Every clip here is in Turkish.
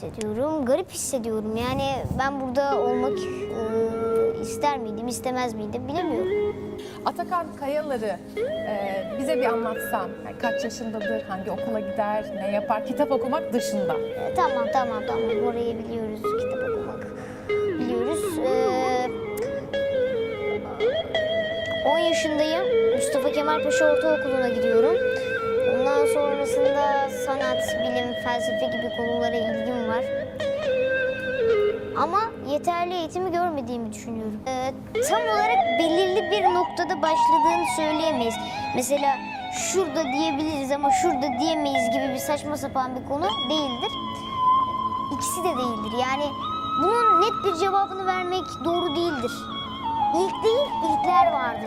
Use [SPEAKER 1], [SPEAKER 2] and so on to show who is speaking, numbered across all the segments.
[SPEAKER 1] hissediyorum, garip hissediyorum. Yani ben burada olmak ister miydim, istemez miydim bilemiyorum.
[SPEAKER 2] Atakan Kayalar'ı bize bir anlatsan. Yani kaç yaşındadır, hangi okula gider, ne yapar, kitap okumak dışında.
[SPEAKER 1] Tamam. Orayı biliyoruz, kitap okumak biliyoruz. 10 yaşındayım. Mustafa Kemal Paşa Ortaokulu'na gidiyorum. Ondan sonrasında sanat, bilim, felsefe gibi konulara ilgim var. Ama yeterli eğitimi görmediğimi düşünüyorum. Tam olarak belirli bir noktada başladığını söyleyemeyiz. Mesela şurada diyebiliriz ama şurada diyemeyiz gibi bir saçma sapan bir konu değildir. İkisi de değildir. Yani bunun net bir cevabını vermek doğru değildir. İlk değil, ilkler vardır.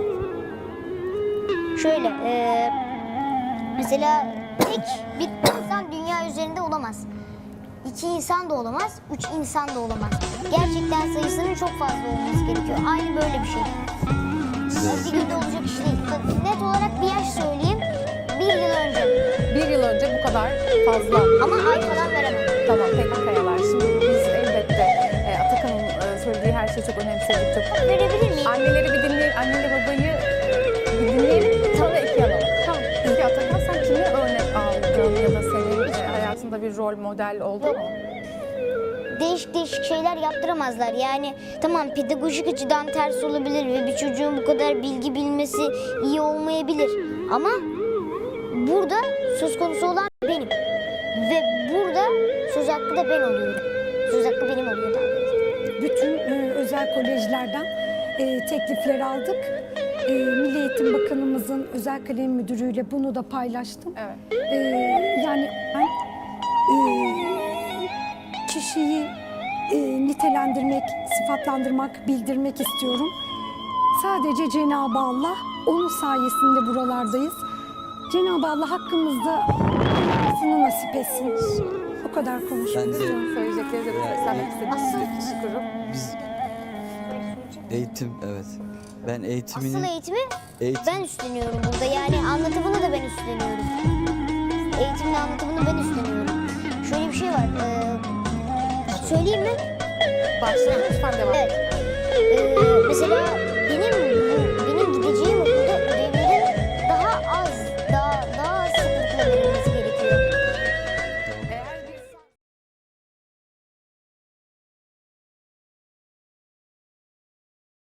[SPEAKER 1] Şöyle, mesela tek bir insan dünya üzerinde olamaz. 2 insan da olamaz, 3 insan da olamaz. Gerçekten sayısının çok fazla olması gerekiyor. Aynı böyle bir şey. Bir günde olacak iş değil. Net olarak bir yaş söyleyeyim. 1 yıl önce.
[SPEAKER 2] 1 yıl önce bu kadar fazla.
[SPEAKER 1] Ama ay falan veremem.
[SPEAKER 2] Tamam, peki Kayalar. Şimdi biz elbette Atakan'ın söylediği her şeyi çok önemsedik. Çok...
[SPEAKER 1] Verebilir miyim?
[SPEAKER 2] Anneleri bir dinleyelim, anneyle babayı bir dinleyelim. Sonra iki alalım. Tamam. Peki Atakan, sen kimi örnek aldın ya da senin hayatında bir rol model oldu mu?
[SPEAKER 1] Değişik şeyler yaptıramazlar. Yani tamam, pedagojik açıdan ters olabilir ve bir çocuğun bu kadar bilgi bilmesi iyi olmayabilir. Ama burada söz konusu olan benim. Ve burada söz hakkı da ben oluyorum. Söz hakkı benim oluyor daha doğrusu.
[SPEAKER 3] Bütün özel kolejlerden teklifler aldık. Milli Eğitim Bakanımızın özel kalem müdürüyle bunu da paylaştım.
[SPEAKER 2] Evet.
[SPEAKER 3] Yani ben kişiyi nitelendirmek, sıfatlandırmak, bildirmek istiyorum. Sadece Cenab-ı Allah, onun sayesinde buralardayız. Cenab-ı Allah hakkımızda nasip etsin. O kadar konuşmak istiyorum.
[SPEAKER 2] Söyleyecekleri de seslenmek istediğiniz bir kurum.
[SPEAKER 4] Biz eğitim, evet. Ben eğitimini...
[SPEAKER 1] Asıl eğitimi ben üstleniyorum burada. Yani anlatımını da ben üstleniyorum. Eğitimin anlatımını ben üstleniyorum. Şöyle bir şey var. Söyleyeyim mi?
[SPEAKER 2] Başlayalım, lütfen devam.
[SPEAKER 1] Evet. Mesela benim